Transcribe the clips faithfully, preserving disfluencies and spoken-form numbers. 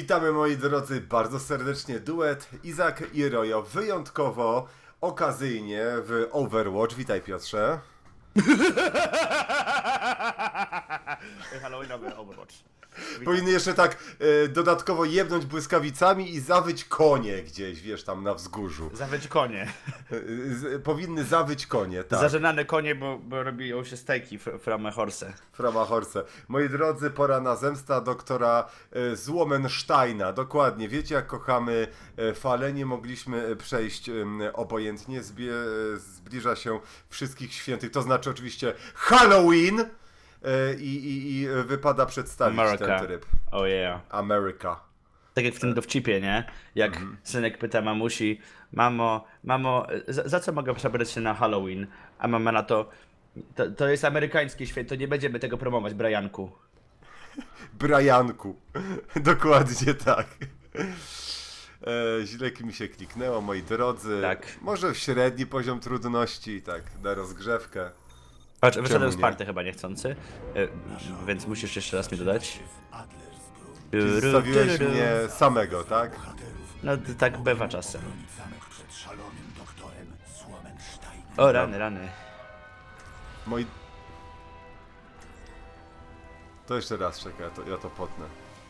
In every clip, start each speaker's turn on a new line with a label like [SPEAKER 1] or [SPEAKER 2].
[SPEAKER 1] Witamy moi drodzy bardzo serdecznie, duet Izak i Rojo, wyjątkowo, okazyjnie w Overwatch. Witaj Piotrze.
[SPEAKER 2] Halloweenowy Overwatch.
[SPEAKER 1] Powinny jeszcze tak e, dodatkowo jebnąć błyskawicami i zawyć konie gdzieś, wiesz, tam na wzgórzu.
[SPEAKER 2] Zawyć konie.
[SPEAKER 1] E, z, powinny zawyć konie, tak.
[SPEAKER 2] Zażenane konie, bo, bo robią się stejki from a horse.
[SPEAKER 1] Frama Horse. Moi drodzy, pora na zemsta doktora e, Złomensteina. Dokładnie, wiecie jak kochamy e, fale, nie mogliśmy przejść e, obojętnie. Zbie, e, zbliża się wszystkich świętych, to znaczy oczywiście Halloween e, i, i, i wypada przedstawić
[SPEAKER 2] America.
[SPEAKER 1] ten tryb.
[SPEAKER 2] Oh yeah.
[SPEAKER 1] America.
[SPEAKER 2] Tak jak w tym dowcipie, nie? Jak
[SPEAKER 1] Mhm.
[SPEAKER 2] synek pyta mamusi, mamo, mamo, za, za co mogę przebrać się na Halloween? A mama na to, to, to jest amerykańskie święto, nie będziemy tego promować, Brianku.
[SPEAKER 1] Brianku. Dokładnie tak. E, źle mi się kliknęło, moi drodzy.
[SPEAKER 2] Tak.
[SPEAKER 1] Może w średni poziom trudności, tak, na rozgrzewkę.
[SPEAKER 2] Patrz, wyszedłem
[SPEAKER 1] nie?
[SPEAKER 2] z party chyba niechcący, y, więc musisz jeszcze raz mi dodać.
[SPEAKER 1] Czyli zostawiłeś mnie samego, tak?
[SPEAKER 2] No to tak bywa czasem. O, rany, rany.
[SPEAKER 1] Moi... To jeszcze raz czekaj, ja to, ja to potnę.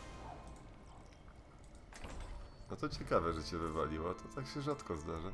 [SPEAKER 1] No to ciekawe, że cię wywaliło, to tak się rzadko zdarza.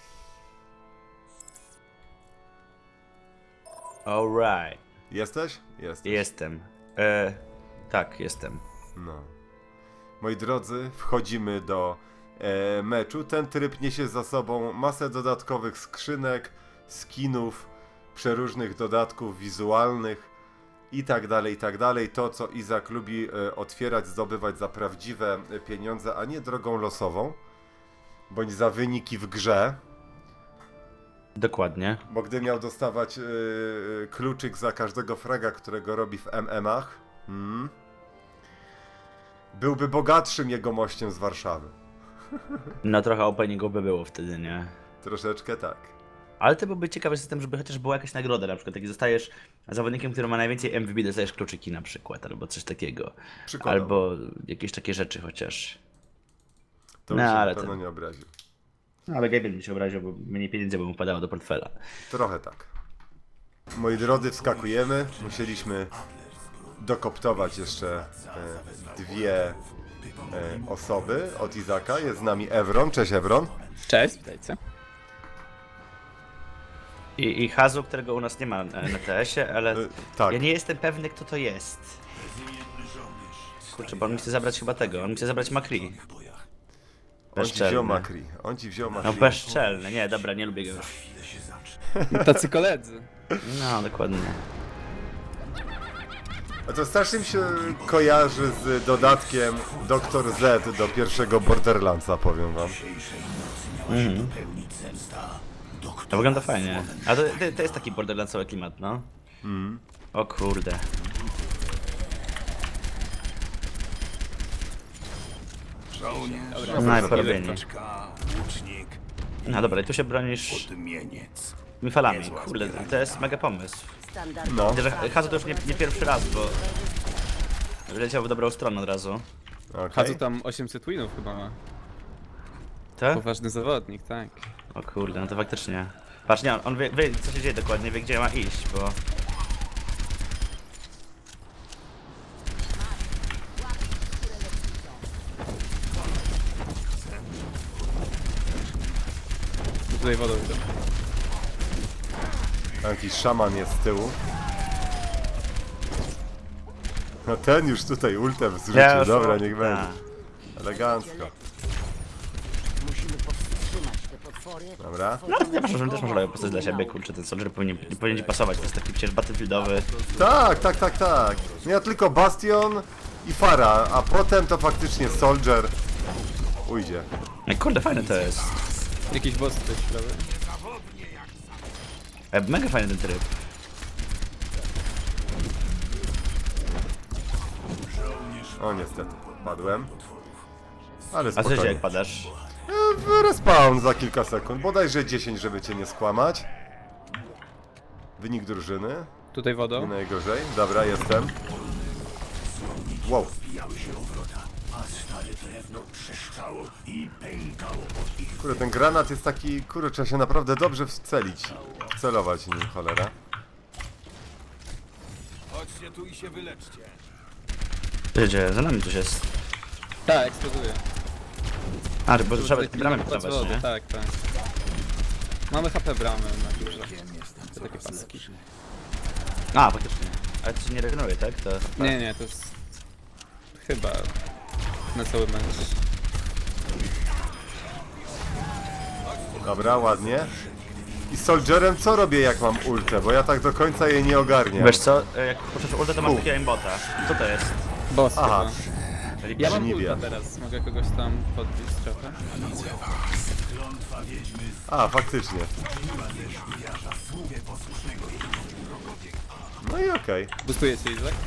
[SPEAKER 2] Alright.
[SPEAKER 1] Jesteś? Jesteś.
[SPEAKER 2] Jestem. E, tak, jestem.
[SPEAKER 1] No. Moi drodzy, wchodzimy do e, meczu. Ten tryb niesie za sobą masę dodatkowych skrzynek, skinów, przeróżnych dodatków wizualnych i tak dalej, i tak dalej. To, co Izak lubi e, otwierać, zdobywać za prawdziwe e, pieniądze, a nie drogą losową, bądź za wyniki w grze.
[SPEAKER 2] Dokładnie.
[SPEAKER 1] Bo gdy miał dostawać e, kluczyk za każdego fraga, którego robi w M M ach, hmm, byłby bogatszym jegomościem z Warszawy.
[SPEAKER 2] No trochę openingu by było wtedy, nie?
[SPEAKER 1] Troszeczkę tak.
[SPEAKER 2] Ale to byłby ciekawy system, żeby chociaż była jakaś nagroda, na przykład jak zostajesz zawodnikiem, który ma najwięcej M V P, dostajesz kluczyki na przykład, albo coś takiego.
[SPEAKER 1] Przykładowo.
[SPEAKER 2] Albo jakieś takie rzeczy chociaż.
[SPEAKER 1] To
[SPEAKER 2] No,
[SPEAKER 1] mi się
[SPEAKER 2] ale
[SPEAKER 1] na pewno
[SPEAKER 2] to-
[SPEAKER 1] nie obraził.
[SPEAKER 2] No ale Gabriel mi się obraził, bo mniej pieniędzy by mu padało do portfela.
[SPEAKER 1] Trochę tak. Moi drodzy, wskakujemy. Musieliśmy dokoptować jeszcze e, dwie e, osoby od Izaka. Jest z nami Evron. Cześć Evron.
[SPEAKER 3] Cześć, witajcie.
[SPEAKER 2] I, i Hazu, którego u nas nie ma na, na T S-ie, ale
[SPEAKER 1] E, tak.
[SPEAKER 2] ja nie jestem pewny, kto to jest. Kurczę, bo on mi chce zabrać chyba tego, on mi chce zabrać Makri.
[SPEAKER 1] On ci
[SPEAKER 2] Bezczelny.
[SPEAKER 1] wziął Makri. On ci wziął
[SPEAKER 2] No
[SPEAKER 1] Makri.
[SPEAKER 2] bezczelny, nie, dobra, nie lubię go już.
[SPEAKER 3] Tacy koledzy.
[SPEAKER 2] No, dokładnie.
[SPEAKER 1] A to strasznie mi się kojarzy z dodatkiem doktor Z do pierwszego Borderlandsa, powiem wam.
[SPEAKER 2] Mhm. To wygląda fajnie. A to, to, to jest taki borderlandsowy klimat, no.
[SPEAKER 1] Mm.
[SPEAKER 2] O kurde.
[SPEAKER 3] Dobra,
[SPEAKER 2] No i
[SPEAKER 1] za
[SPEAKER 2] porobienie. No dobra, i tu się bronisz tymi falami. Kurde, to jest mega pomysł.
[SPEAKER 1] No.
[SPEAKER 2] Widzę, że Hazu to już nie, nie pierwszy raz, bo leciał w dobrą stronę od razu.
[SPEAKER 1] Okej.
[SPEAKER 3] Hadzu tam osiemset winów chyba ma.
[SPEAKER 2] Tak?
[SPEAKER 3] Poważny zawodnik, tak.
[SPEAKER 2] O kurde, no to faktycznie. Patrz, nie, on, on wie, wie co się dzieje dokładnie, wie gdzie ma iść, bo...
[SPEAKER 3] Tutaj wodą idę.
[SPEAKER 1] Tam jakiś szaman jest z tyłu. No ten już tutaj ultem zrzucił,
[SPEAKER 2] Ja już
[SPEAKER 1] dobra,
[SPEAKER 2] mam-
[SPEAKER 1] niech
[SPEAKER 2] Ta.
[SPEAKER 1] będzie. Elegancko.
[SPEAKER 4] Musimy powstrzymać te potwory.
[SPEAKER 2] No
[SPEAKER 1] Dobra.
[SPEAKER 2] ale nie proszę, też może robię postać dla siebie, kurczę, ten soldier powinien, nie powinien ci pasować, to jest taki przecież battlefieldowy.
[SPEAKER 1] Tak, tak, tak, tak. No ja tylko Bastion i Fara, a potem to faktycznie Soldier ujdzie.
[SPEAKER 2] No i kurde, fajny to jest.
[SPEAKER 3] Jakiś boss tutaj śpiewy.
[SPEAKER 2] E, mega fajny ten tryb.
[SPEAKER 1] O niestety, padłem. Ale
[SPEAKER 2] A co się dzieje,
[SPEAKER 1] spokojnie.
[SPEAKER 2] jak padasz?
[SPEAKER 1] E, Respawn za kilka sekund, bodajże dziesięć, żeby cię nie skłamać. Wynik drużyny,
[SPEAKER 3] Tutaj
[SPEAKER 1] nie
[SPEAKER 3] wodą.
[SPEAKER 1] najgorzej. Dobra, jestem. Wow. Kurde, ten granat jest taki, kurde, trzeba się naprawdę dobrze wcelić. Wcelować nim, cholera.
[SPEAKER 5] Chodźcie tu i się wyleczcie.
[SPEAKER 2] Gdzie? Za nami coś jest.
[SPEAKER 3] Tak, eksploduje.
[SPEAKER 2] A, bo trzeba
[SPEAKER 3] Tutaj
[SPEAKER 2] bramę
[SPEAKER 3] pilnować
[SPEAKER 2] pilnować,
[SPEAKER 3] wody,
[SPEAKER 2] nie?
[SPEAKER 3] Tak, tak. Mamy H P bramy na górze. To takie paski.
[SPEAKER 2] A, faktycznie. Ale to się nie regeneruje, tak? To...
[SPEAKER 3] Nie, nie, to jest... Chyba... Na cały mecz.
[SPEAKER 1] Dobra, ładnie. I z Soldierem co robię jak mam ultę? Bo ja tak do końca jej nie ogarniam.
[SPEAKER 2] Wiesz co, jak puszczasz ulta, to masz
[SPEAKER 1] U.
[SPEAKER 2] takiego aimbota. Co to jest?
[SPEAKER 3] Boss
[SPEAKER 1] Aha.
[SPEAKER 3] chyba.
[SPEAKER 2] Czyli
[SPEAKER 3] Ja mam
[SPEAKER 1] Żniwia.
[SPEAKER 3] ulta teraz, mogę kogoś tam podbić trochę.
[SPEAKER 1] A, faktycznie. No i okej.
[SPEAKER 3] Boostuje cię, Izak?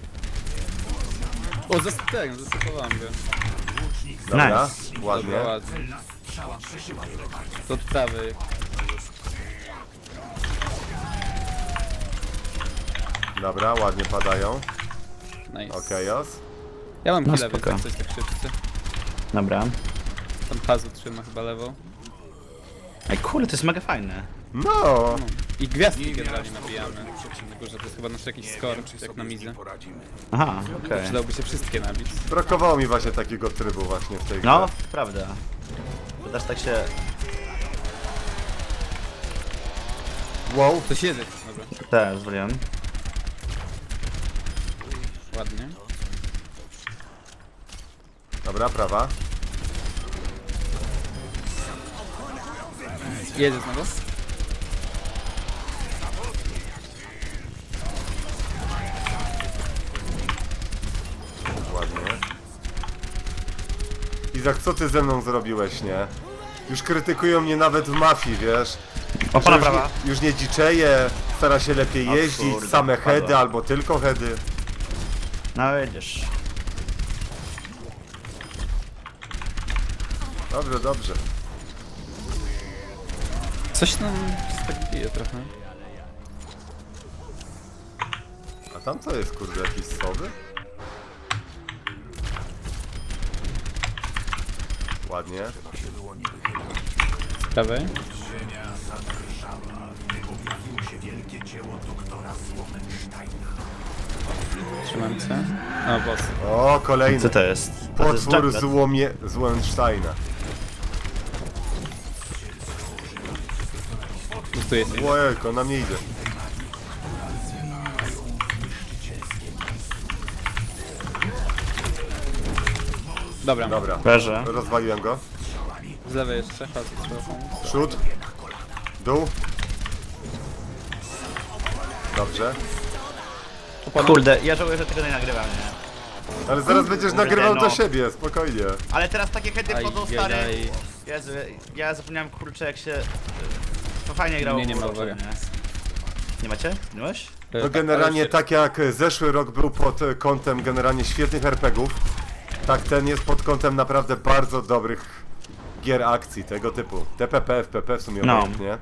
[SPEAKER 3] O, zasypałem, zasypowałem go.
[SPEAKER 1] Dobra,
[SPEAKER 2] Nice.
[SPEAKER 1] ładnie.
[SPEAKER 3] Dobra, ładnie. To od prawej.
[SPEAKER 1] Dobra, ładnie padają.
[SPEAKER 3] Nice.
[SPEAKER 1] Okej, os.
[SPEAKER 3] Ja mam
[SPEAKER 2] No
[SPEAKER 3] chwilę, więc
[SPEAKER 2] spoko.
[SPEAKER 3] jak coś tak szybcy.
[SPEAKER 2] Dobra.
[SPEAKER 3] Tam Hazu trzyma chyba lewą.
[SPEAKER 2] Ej, kurde, to jest mega fajne.
[SPEAKER 1] No!
[SPEAKER 3] No. I gwiazdki generalnie nabijamy. Na górze to jest chyba nasz jakiś score, jak na mizie.
[SPEAKER 5] Poradzimy.
[SPEAKER 2] Aha, okej.
[SPEAKER 3] Przydałoby się wszystkie nabić.
[SPEAKER 1] Brakowało mi właśnie takiego trybu właśnie w tej grze.
[SPEAKER 2] No, prawda. To też tak się...
[SPEAKER 1] Wow,
[SPEAKER 3] To siedzę. Dobra,
[SPEAKER 2] Tak, zwoliłem.
[SPEAKER 3] ładnie.
[SPEAKER 1] dobra, prawa.
[SPEAKER 3] Jedzie znowu?
[SPEAKER 1] Ładnie. Izak, co ty ze mną zrobiłeś, nie? Już krytykują mnie nawet w mafii, wiesz? Że
[SPEAKER 2] Opona
[SPEAKER 1] już
[SPEAKER 2] prawa.
[SPEAKER 1] nie, już nie dziczeje, stara się lepiej
[SPEAKER 2] O
[SPEAKER 1] jeździć,
[SPEAKER 2] kurde,
[SPEAKER 1] same
[SPEAKER 2] padła.
[SPEAKER 1] heady albo tylko heady.
[SPEAKER 2] No widzisz.
[SPEAKER 1] Dobrze, dobrze.
[SPEAKER 3] Coś tam się tak bije trochę.
[SPEAKER 1] A tam co jest, kurde, jakieś sowy? Ładnie.
[SPEAKER 3] Z prawej. Trzymam cię. O, boss.
[SPEAKER 1] O, kolejny.
[SPEAKER 2] Co to jest? A to jest
[SPEAKER 1] Potwór
[SPEAKER 2] Junkrat.
[SPEAKER 1] złomie... Złęsteina.
[SPEAKER 3] Boostuje cię.
[SPEAKER 1] Ojejko, na mnie idzie.
[SPEAKER 3] Dobra,
[SPEAKER 1] Dobra,
[SPEAKER 2] Leży.
[SPEAKER 1] rozwaliłem go.
[SPEAKER 3] z lewej jeszcze. Hazu trzeba pomóc.
[SPEAKER 1] Przód. Dół. Dobrze.
[SPEAKER 2] Kurde, ja żałuję, że tego nie nagrywam, nie?
[SPEAKER 1] Ale zaraz będziesz
[SPEAKER 2] Kurde,
[SPEAKER 1] nagrywał
[SPEAKER 2] no.
[SPEAKER 1] do siebie, spokojnie.
[SPEAKER 2] Ale teraz takie heady wchodzą, stary.
[SPEAKER 3] Ajajaj.
[SPEAKER 2] Jezu, ja zapomniałem, kurczę, jak się... To fajnie grało.
[SPEAKER 3] Nie, nie
[SPEAKER 2] w
[SPEAKER 3] ma,
[SPEAKER 2] Overwatchu,
[SPEAKER 3] uwaga.
[SPEAKER 2] nie? Nie macie? Nie masz?
[SPEAKER 1] To generalnie tak jak zeszły rok był pod kątem generalnie świetnych er pe gie ów, tak ten jest pod kątem naprawdę bardzo dobrych gier akcji tego typu. T P P, F P P w sumie
[SPEAKER 2] No.
[SPEAKER 1] obojętnie.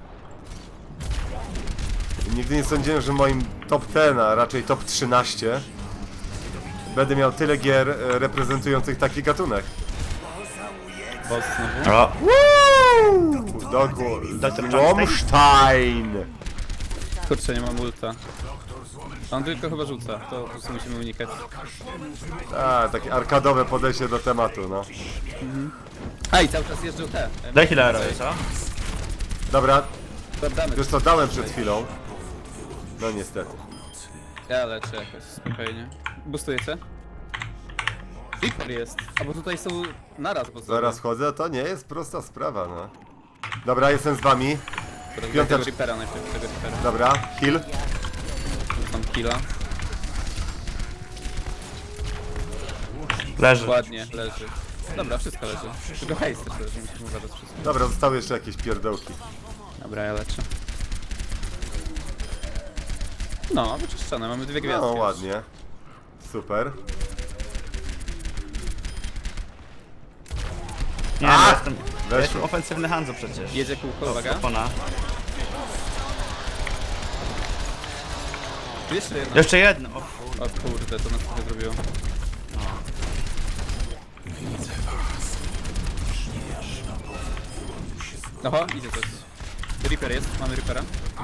[SPEAKER 1] Nigdy nie sądziłem, że moim top dziesięć, a raczej top trzynaście będę miał tyle gier e, reprezentujących taki gatunek.
[SPEAKER 3] Boss znowu.
[SPEAKER 2] O,
[SPEAKER 1] Dokładnie.
[SPEAKER 2] Doktor
[SPEAKER 1] Złomstein!
[SPEAKER 3] Kurczę, nie mam ulta. On tylko chyba rzuca, to po prostu musimy unikać.
[SPEAKER 1] A, takie arkadowe podejście do tematu, no.
[SPEAKER 3] A i cały czas jeżdżą te.
[SPEAKER 2] daj healera, co?
[SPEAKER 1] Dobra,
[SPEAKER 3] Damy.
[SPEAKER 1] wiesz co, dałem przed chwilą. No niestety.
[SPEAKER 3] Ja leczę jakoś spokojnie. Boostujecie? Reaper jest. A bo tutaj są naraz, bo
[SPEAKER 1] Zaraz wchodzę, to nie jest prosta sprawa, no. Dobra, jestem z wami.
[SPEAKER 3] Piąteczka.
[SPEAKER 1] piątecz-
[SPEAKER 3] Tego Reapera najpierw, tego Reapera.
[SPEAKER 1] Dobra, heal.
[SPEAKER 3] Tam killa.
[SPEAKER 2] Leży.
[SPEAKER 3] Ładnie, leży. Dobra, wszystko leży. Tylko haste też leży, musimy uważać wszystko.
[SPEAKER 1] Dobra, zostały jeszcze jakieś pierdołki.
[SPEAKER 3] Dobra, ja leczę. No, wyczyszczone, mamy dwie gwiazdki.
[SPEAKER 1] No,
[SPEAKER 3] już.
[SPEAKER 1] ładnie. Super.
[SPEAKER 2] Nie,
[SPEAKER 1] A!
[SPEAKER 2] no, jestem... Ja
[SPEAKER 1] Weszło.
[SPEAKER 2] jestem ofensywny Hanzo przecież.
[SPEAKER 3] Jedzie kółko, uwaga.
[SPEAKER 2] Opona.
[SPEAKER 3] Jeszcze jedno.
[SPEAKER 2] Jeszcze jedno. O,
[SPEAKER 3] O kurde, to nas trochę zrobiło. Oho, idzie coś. Reaper jest, mamy Reapera.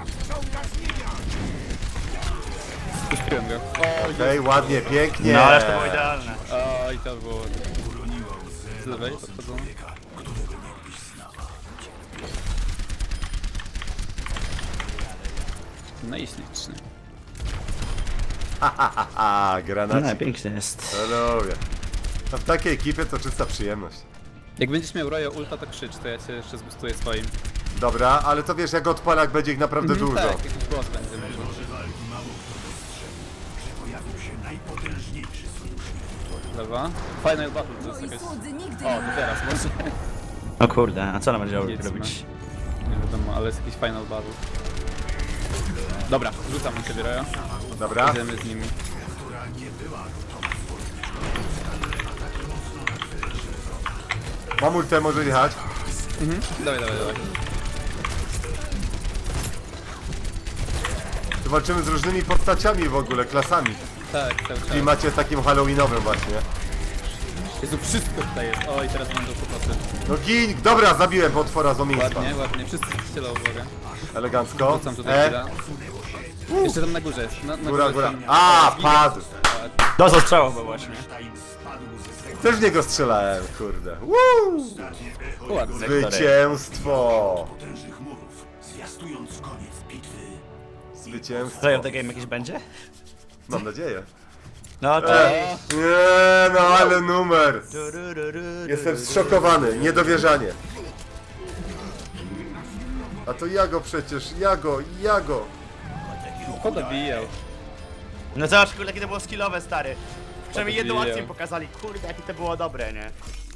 [SPEAKER 3] Puściłem go. O,
[SPEAKER 1] Okej, ładnie, pięknie.
[SPEAKER 2] No ale to było idealne.
[SPEAKER 3] o, i to było... Z lewej podchodzą. No i ślicznie.
[SPEAKER 1] A,
[SPEAKER 2] No,
[SPEAKER 1] granacik.
[SPEAKER 2] pięknie jest.
[SPEAKER 1] No lubię. A w takiej ekipie to czysta przyjemność.
[SPEAKER 3] Jak będziesz miał Royo ulta, to krzycz, to ja cię jeszcze zbustuję swoim.
[SPEAKER 1] Dobra, ale to wiesz, jak odpala, jak będzie ich naprawdę
[SPEAKER 3] Mhm,
[SPEAKER 1] dużo.
[SPEAKER 3] Tak, jakiś głos będzie. Dobra. Final battle to jest
[SPEAKER 4] Moi
[SPEAKER 3] jakaś...
[SPEAKER 4] słudzy nigdy
[SPEAKER 3] O,
[SPEAKER 4] nie
[SPEAKER 3] to teraz może.
[SPEAKER 2] O kurde, a co ona będzie
[SPEAKER 3] Jedźmy.
[SPEAKER 2] robić?
[SPEAKER 3] Nie wiadomo, ale jest jakiś final battle. Dobra, rzucam na ciebie Royo.
[SPEAKER 1] Dobra,
[SPEAKER 3] Idziemy z nimi.
[SPEAKER 1] mam ultę, może jechać.
[SPEAKER 3] Dawaj, dawaj, dawaj.
[SPEAKER 1] Tu walczymy z różnymi postaciami w ogóle, klasami.
[SPEAKER 3] Tak, cały
[SPEAKER 1] W
[SPEAKER 3] czas.
[SPEAKER 1] klimacie takim halloweenowym właśnie.
[SPEAKER 3] Jezu, wszystko tutaj jest. O, i teraz będą kłopoty.
[SPEAKER 1] No gin! Dobra, zabiłem potwora z omiństwa.
[SPEAKER 3] Ładnie, ładnie. Wszyscy strzelą, uwaga.
[SPEAKER 1] Elegancko.
[SPEAKER 3] Rzucam tutaj
[SPEAKER 1] E,
[SPEAKER 3] chwilę. Jeszcze tam na górze jest. Na, na
[SPEAKER 1] góra,
[SPEAKER 3] górze
[SPEAKER 1] góra.
[SPEAKER 3] tam-
[SPEAKER 1] A,
[SPEAKER 3] zginie.
[SPEAKER 1] padł!
[SPEAKER 2] Do zastrzałowe właśnie.
[SPEAKER 1] Też w niego strzelałem, kurde. Woo!
[SPEAKER 3] Ładnie.
[SPEAKER 1] Zwycięstwo! Zwycięstwo.
[SPEAKER 2] Play of the game jakiś będzie?
[SPEAKER 1] Mam nadzieję.
[SPEAKER 2] No to...
[SPEAKER 1] E, nie, no ale numer! Jestem zszokowany, niedowierzanie. A to ja go przecież, ja go, ja go.
[SPEAKER 3] Kto dobijał?
[SPEAKER 2] No zobacz kurde, jakie to było skillowe, stary. Przynajmniej jedną
[SPEAKER 3] Odbiję.
[SPEAKER 2] akcję pokazali. Kurde, jakie to było dobre, nie?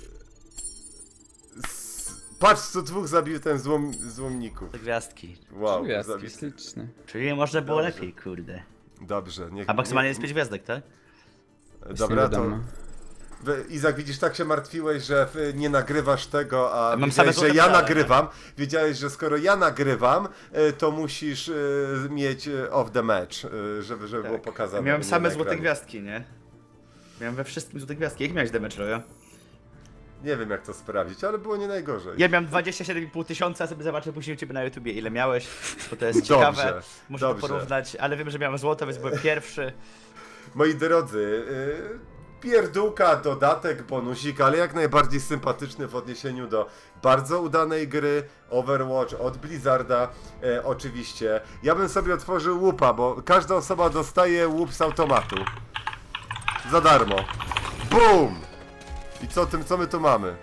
[SPEAKER 1] Patrz, co dwóch zabił ten złom, złomników.
[SPEAKER 2] Te gwiazdki.
[SPEAKER 1] Wow,
[SPEAKER 3] Gwiazdki,
[SPEAKER 1] zabił.
[SPEAKER 3] śliczne.
[SPEAKER 2] Czyli można było
[SPEAKER 1] Dobrze.
[SPEAKER 2] lepiej, kurde.
[SPEAKER 1] Dobrze, niech...
[SPEAKER 2] A maksymalnie jest pięć gwiazdek, tak?
[SPEAKER 1] Dobra, to...
[SPEAKER 3] wiadomo.
[SPEAKER 1] Wy- Izak, widzisz, tak się martwiłeś, że y, nie nagrywasz tego, a
[SPEAKER 2] Mam
[SPEAKER 1] wiedziałeś,
[SPEAKER 2] same
[SPEAKER 1] że
[SPEAKER 2] złote
[SPEAKER 1] ja
[SPEAKER 2] medale,
[SPEAKER 1] nagrywam. Wiedziałeś, że skoro ja nagrywam, y, to musisz y, mieć y, off the match, y, żeby, żeby było pokazane.
[SPEAKER 2] Miałem
[SPEAKER 1] nie
[SPEAKER 2] same
[SPEAKER 1] na
[SPEAKER 2] złote
[SPEAKER 1] ekranie.
[SPEAKER 2] gwiazdki, nie? Miałem we wszystkim złote gwiazdki. Jak miałeś damage, Royo?
[SPEAKER 1] Nie wiem, jak to sprawdzić, ale było nie najgorzej.
[SPEAKER 2] Ja miałem dwadzieścia siedem i pół tysiąca, sobie zobaczę później u ciebie na YouTubie ile miałeś, bo to jest
[SPEAKER 1] Dobrze,
[SPEAKER 2] ciekawe. Muszę
[SPEAKER 1] dobrze.
[SPEAKER 2] to porównać, ale wiem, że miałem złoto, więc byłem pierwszy.
[SPEAKER 1] Moi drodzy, y, pierdółka, dodatek, bonusik, ale jak najbardziej sympatyczny w odniesieniu do bardzo udanej gry Overwatch od Blizzarda, e, oczywiście. Ja bym sobie otworzył łupa, bo każda osoba dostaje łup z automatu. Za darmo. BUM! I co tym, co my tu mamy?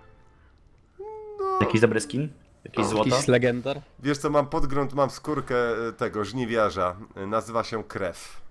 [SPEAKER 2] Jakiś dobry skin? Jakieś złoto?
[SPEAKER 3] Jakiś legendar.
[SPEAKER 1] Wiesz co, mam podgląd, mam skórkę e, tego żniwiarza. E, Nazywa się Krew.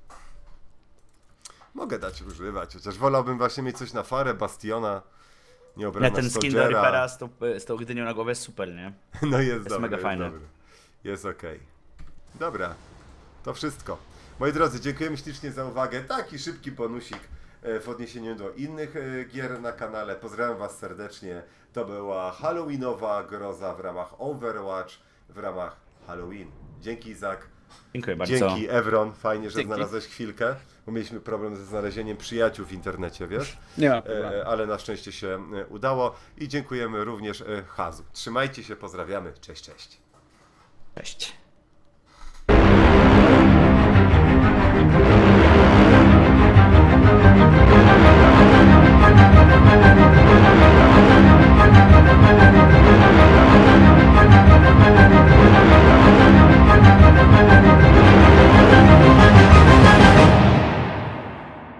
[SPEAKER 1] Mogę dać używać, chociaż wolałbym właśnie mieć coś na farę, Bastiona,
[SPEAKER 2] Nie,
[SPEAKER 1] nieobrana
[SPEAKER 2] ten skin do Reapera z tą, z tą gdynią na głowie jest super, nie?
[SPEAKER 1] No jest, dobry,
[SPEAKER 2] mega
[SPEAKER 1] jest
[SPEAKER 2] fajny.
[SPEAKER 1] dobry. Jest okej. Dobra, to wszystko. Moi drodzy, dziękujemy ślicznie za uwagę. Taki szybki bonusik e, w odniesieniu do innych e, gier na kanale. Pozdrawiam Was serdecznie. To była halloweenowa groza w ramach Overwatch, w ramach Halloween. Dzięki Izak.
[SPEAKER 2] Dziękuję bardzo.
[SPEAKER 1] Dzięki Evron, fajnie, że
[SPEAKER 3] Dzięki.
[SPEAKER 1] znalazłeś chwilkę, bo mieliśmy problem ze znalezieniem przyjaciół w internecie, wiesz?
[SPEAKER 3] Nie ma problemu.
[SPEAKER 1] E, ale na szczęście się e, udało i dziękujemy również e, Hazu. Trzymajcie się, pozdrawiamy, cześć, cześć.
[SPEAKER 2] Cześć.